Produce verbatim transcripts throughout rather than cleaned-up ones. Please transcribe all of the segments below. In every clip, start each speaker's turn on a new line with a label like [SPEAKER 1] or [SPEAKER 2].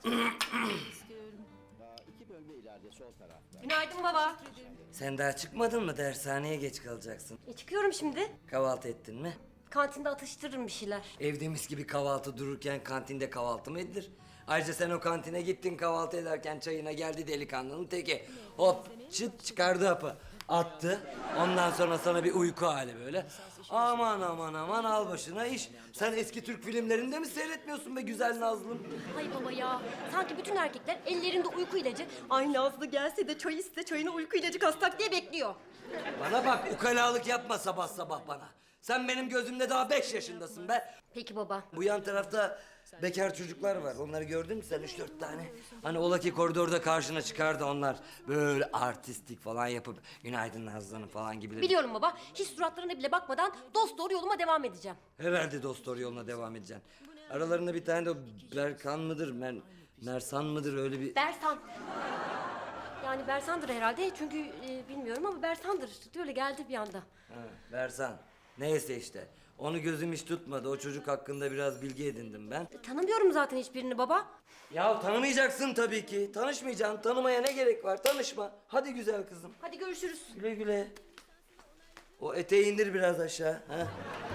[SPEAKER 1] Günaydın baba.
[SPEAKER 2] Sen daha çıkmadın mı? Dershaneye geç kalacaksın.
[SPEAKER 1] E çıkıyorum şimdi.
[SPEAKER 2] Kahvaltı ettin mi?
[SPEAKER 1] Kantinde atıştırırım bir şeyler.
[SPEAKER 2] Evde mis gibi kahvaltı dururken kantinde kahvaltı mı edilir? Ayrıca sen o kantine gittin kahvaltı ederken çayına geldi delikanlının teki. Hop çıt çıkardı hapı. Attı. Ondan sonra sana bir uyku hali böyle. Aman aman aman al başına iş. Sen eski Türk filmlerinde mi seyretmiyorsun be güzel Nazlım?
[SPEAKER 1] Hay baba ya. Sanki bütün erkekler ellerinde uyku ilacı. Ay Nazlı gelse de çay iste çayına uyku ilacı kastak diye bekliyor.
[SPEAKER 2] Bana bak ukalalık yapma sabah sabah bana. Sen benim gözümde daha beş yaşındasın be.
[SPEAKER 1] Peki baba.
[SPEAKER 2] Bu yan tarafta bekar çocuklar var. Onları gördün mü sen üç dört tane? Hani ola ki koridorda karşına çıkardı onlar. Böyle artistik falan yapıp günaydın Nazlı Hanım falan gibi.
[SPEAKER 1] Biliyorum baba. Hiç suratlarına bile bakmadan dost doğru yoluma devam edeceğim.
[SPEAKER 2] Herhalde dost doğru yoluna devam edeceksin. Aralarında bir tane de o Berkan mıdır, Mer Mersan mıdır öyle bir...
[SPEAKER 1] Bersan. Yani Bersan'dır herhalde çünkü e, bilmiyorum ama Bersan'dır. Öyle geldi bir anda.
[SPEAKER 2] Ha, Bersan. Neyse işte. Onu gözüm hiç tutmadı. O çocuk hakkında biraz bilgi edindim ben.
[SPEAKER 1] E, tanımıyorum zaten hiçbirini baba.
[SPEAKER 2] Ya tanımayacaksın tabii ki. Tanışmayacaksın. Tanımaya ne gerek var? Tanışma. Hadi güzel kızım.
[SPEAKER 1] Hadi görüşürüz.
[SPEAKER 2] Güle güle. O eteği indir biraz aşağı. Ha?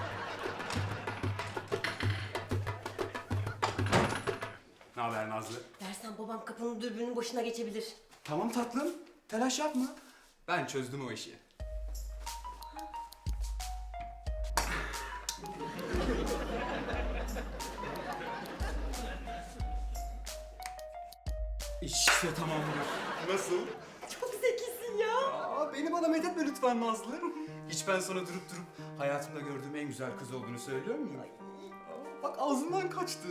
[SPEAKER 3] Ne haber Nazlı?
[SPEAKER 1] Bersan babam kapının dürbünün başına geçebilir.
[SPEAKER 3] Tamam tatlım, telaş yapma. Ben çözdüm o işi. İşte tamamdır. Nasıl?
[SPEAKER 1] Çok zekisin ya.
[SPEAKER 3] Aa, beni bana methetme lütfen Nazlı. Hiç ben sana durup durup hayatımda gördüğüm en güzel kız olduğunu söylüyor muyum? Aa, bak ağzından kaçtı.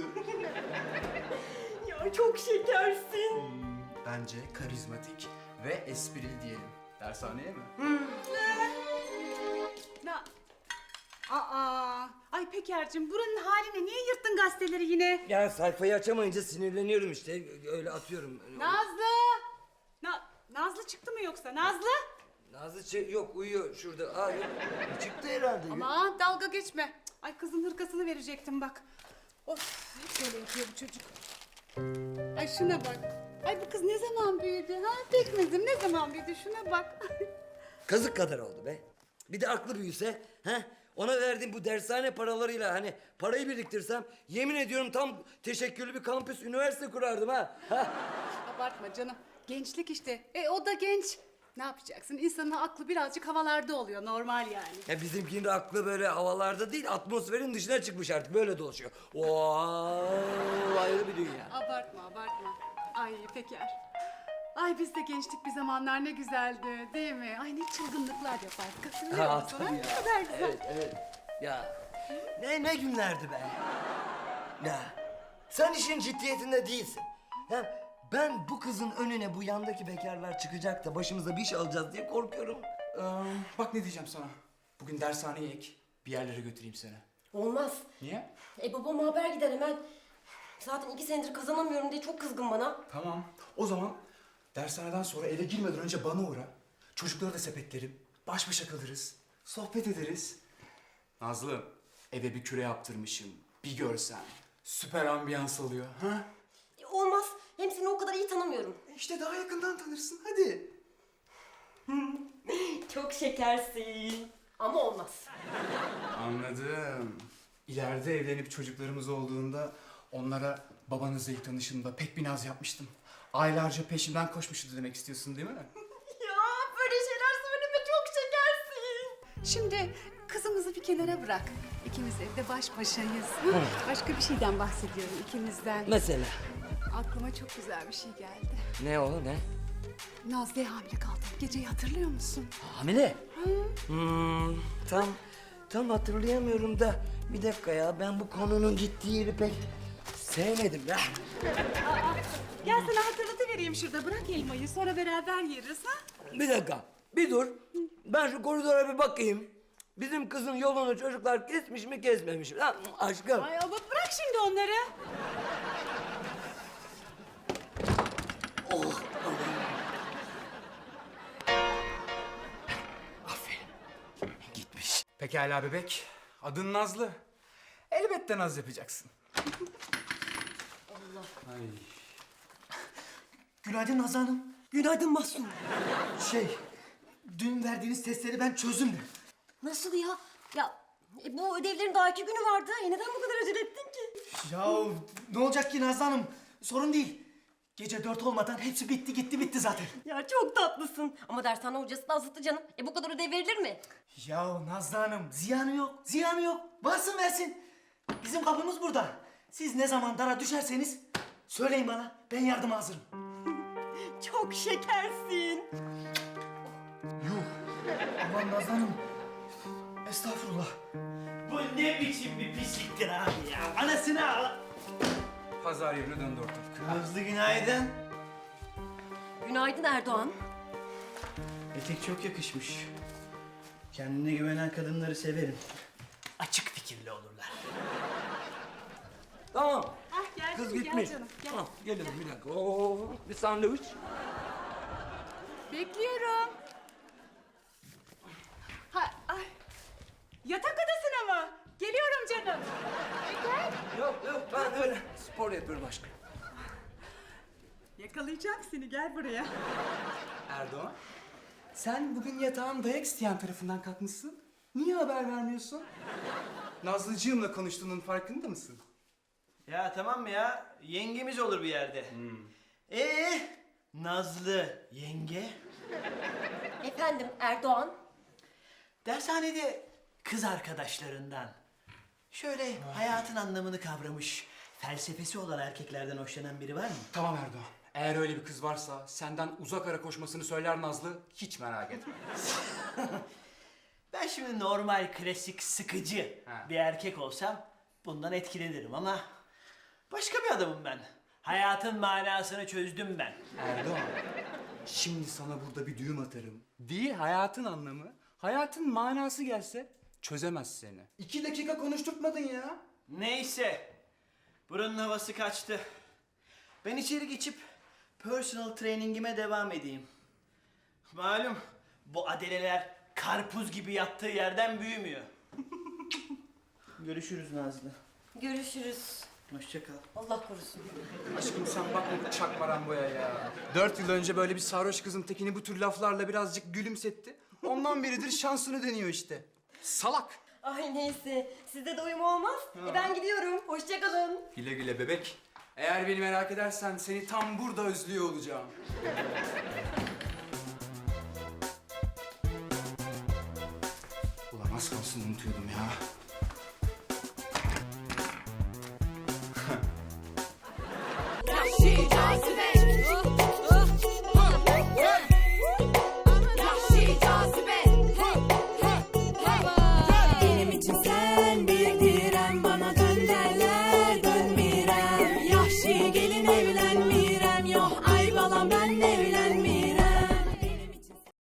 [SPEAKER 1] Ya çok şekersin.
[SPEAKER 3] Bence karizmatik ve esprili diyelim. Dershaneye mi?
[SPEAKER 4] Na Aa, ay Peker'cim buranın haline niye yırttın gazeteleri yine?
[SPEAKER 2] Ya sayfayı açamayınca sinirleniyorum işte. Öyle atıyorum.
[SPEAKER 4] Nazlı! Na Nazlı çıktı mı yoksa? Nazlı?
[SPEAKER 2] Nazlı çı- yok uyuyor şurada. Aa, yok. Çıktı herhalde.
[SPEAKER 4] Aman dalga geçme. Cık, ay kızın hırkasını verecektim bak. Of, hep böyle yapıyor bu çocuk. Ay şuna bak. Ay bu kız ne zaman büyüdü ha? Pekmezim ne zaman büyüdü şuna bak.
[SPEAKER 2] Kazık kadar oldu be. Bir de aklı büyüse. He? Ona verdiğim bu dershane paralarıyla hani parayı biriktirsem yemin ediyorum tam teşekküllü bir kampüs üniversite kurardım ha. ha.
[SPEAKER 4] Abartma canım. Gençlik işte. E o da genç. Ne yapacaksın? İnsanın aklı birazcık havalarda oluyor. Normal yani.
[SPEAKER 2] Ya bizimkinin de aklı böyle havalarda değil atmosferin dışına çıkmış artık böyle dolaşıyor. Oo, ayrı bir dünya.
[SPEAKER 4] Abartma, abartma. Ay Peker. Ay biz de gençlik bir zamanlar ne güzeldi değil mi? Ay ne çılgınlıklar yapardık. Hatırlıyor
[SPEAKER 2] Ha,
[SPEAKER 4] musun?
[SPEAKER 2] tabii
[SPEAKER 4] Ay,
[SPEAKER 2] ya.
[SPEAKER 4] ne kadar güzel.
[SPEAKER 2] Evet, evet. Ya ne ne günlerdi be. Ya sen işin ciddiyetinde değilsin. Ya ben bu kızın önüne bu yandaki bekarlar çıkacak da başımıza bir iş alacağız diye korkuyorum.
[SPEAKER 3] Ee, bak ne diyeceğim sana. Bugün dershaneye ek. Bir yerlere götüreyim seni.
[SPEAKER 1] Olmaz.
[SPEAKER 3] Niye?
[SPEAKER 1] E babama haber gider hemen. Zaten iki senedir kazanamıyorum diye çok kızgın bana.
[SPEAKER 3] Tamam. O zaman dershaneden sonra eve girmeden önce bana uğra. Çocukları da sepetlerim. Baş başa kalırız. Sohbet ederiz. Nazlı, eve bir küre yaptırmışım. Bir görsen. Süper ambiyans oluyor. Ha?
[SPEAKER 1] E, olmaz. Hem seni o kadar iyi tanımıyorum.
[SPEAKER 3] İşte daha yakından tanırsın. Hadi.
[SPEAKER 1] Çok şekersin. Ama olmaz.
[SPEAKER 3] Anladım. İleride evlenip çocuklarımız olduğunda onlara babanızla ilk tanışımda pek bir naz yapmıştım. Aylarca peşimden koşmuştu demek istiyorsun değil mi?
[SPEAKER 1] Ya böyle şeyler söyleme çok şekersin.
[SPEAKER 4] Şimdi kızımızı bir kenara bırak. İkimiz evde baş başayız. Hı? Başka bir şeyden bahsediyorum ikimizden.
[SPEAKER 2] Mesela
[SPEAKER 4] Aklıma çok güzel bir şey geldi.
[SPEAKER 2] ne o ne?
[SPEAKER 4] Nazlı'ya hamile kaldım. Geceyi hatırlıyor musun?
[SPEAKER 2] Hamile. Hmm, tam tam hatırlayamıyorum da bir dakika ya ben bu konunun gittiği yeri pek sevmedim ya.
[SPEAKER 4] Gel sana hatırlatıvereyim şurada. Bırak elmayı sonra beraber yeriz ha?
[SPEAKER 2] Bir dakika bir dur. Ben şu koridora bir bakayım. Bizim kızın yolunu çocuklar kesmiş mi kesmemiş mi? Ha, aşkım.
[SPEAKER 4] Ay ama bırak şimdi onları.
[SPEAKER 2] Oh. Aferin. Gitmiş.
[SPEAKER 3] Pekala bebek. Adın Nazlı. Elbette naz yapacaksın.
[SPEAKER 1] Allah.
[SPEAKER 3] Ay.
[SPEAKER 5] Günaydın Nazlı Hanım.
[SPEAKER 1] Günaydın Mahsun.
[SPEAKER 5] Şey, dün verdiğiniz testleri ben çözdüm de.
[SPEAKER 1] Nasıl ya? Ya e, bu ödevlerin daha iki günü vardı. E, neden bu kadar acele ettin ki?
[SPEAKER 5] Ya ne olacak ki Nazlı Hanım? Sorun değil. Gece dört olmadan hepsi bitti gitti bitti zaten.
[SPEAKER 1] Ya çok tatlısın. Ama dershane hocası da azıttı canım. E bu kadar ödev verilir mi?
[SPEAKER 5] Ya Nazlı Hanım ziyanı yok, ziyanı yok. Varsın versin. Bizim kapımız burada. Siz ne zaman dara düşerseniz söyleyin bana. Ben yardıma hazırım.
[SPEAKER 1] Çok şekersin.
[SPEAKER 5] Aman Nazlı Hanım. Estağfurullah.
[SPEAKER 6] Bu ne biçim bir pisliktir abi ya? Anasını al.
[SPEAKER 3] Pazar yerine döndü ortalık.
[SPEAKER 6] Nazlı günaydın.
[SPEAKER 1] Günaydın Erdoğan.
[SPEAKER 6] Etek çok yakışmış. Kendine güvenen kadınları severim. Açık fikirli olurlar.
[SPEAKER 2] Tamam.
[SPEAKER 4] Ah gel
[SPEAKER 2] Kız
[SPEAKER 4] canım,
[SPEAKER 2] gitmiş.
[SPEAKER 4] gel canım. Gel.
[SPEAKER 2] Tamam geliyorum bir dakika. Oo, bir sandviç.
[SPEAKER 4] Bekliyorum. Ha, ay. Yatak odasına mı? Geliyorum canım. E, gel.
[SPEAKER 2] Yok yok ben öyle spor yapıyorum aşkım.
[SPEAKER 4] Yakalayacağım seni, gel buraya.
[SPEAKER 3] Erdoğan, sen bugün yatağın dayak isteyen tarafından kalkmışsın. Niye haber vermiyorsun? Nazlıcığımla konuştuğunun farkında mısın?
[SPEAKER 6] Ya tamam mı ya? Yengemiz olur bir yerde. Ee, Nazlı yenge.
[SPEAKER 1] Efendim Erdoğan.
[SPEAKER 6] Dershanede kız arkadaşlarından şöyle hayatın anlamını kavramış, felsefesi olan erkeklerden hoşlanan biri var mı?
[SPEAKER 3] Tamam Erdoğan. Eğer öyle bir kız varsa senden uzak ara koşmasını söyler Nazlı. Hiç merak etme.
[SPEAKER 6] Ben şimdi normal, klasik, sıkıcı
[SPEAKER 3] Ha.
[SPEAKER 6] bir erkek olsam bundan etkilenirim ama başka bir adamım ben. Hayatın manasını çözdüm ben.
[SPEAKER 3] Erdoğan, şimdi sana burada bir düğüm atarım. Değil hayatın anlamı, hayatın manası gelse çözemez seni. İki dakika konuşturtmadın ya.
[SPEAKER 6] Neyse, buranın havası kaçtı. Ben içeri geçip personal trainingime devam edeyim. Malum bu adeleler karpuz gibi yattığı yerden büyümüyor. Görüşürüz Nazlı.
[SPEAKER 1] Görüşürüz.
[SPEAKER 6] Hoşça kal.
[SPEAKER 1] Allah korusun.
[SPEAKER 3] Aşkım sen bakma bu çakmaramboya ya. Dört yıl önce böyle bir sarhoş kızın tekini bu tür laflarla birazcık gülümsetti. Ondan beridir şansını deniyor işte. Salak.
[SPEAKER 1] Ay neyse. Sizde de uyum olmaz. E ben gidiyorum. Hoşça kalın.
[SPEAKER 3] Güle güle bebek. Eğer beni merak edersen seni tam burada özlüyor olacağım. Ulan az kalsın unutuyordum ya.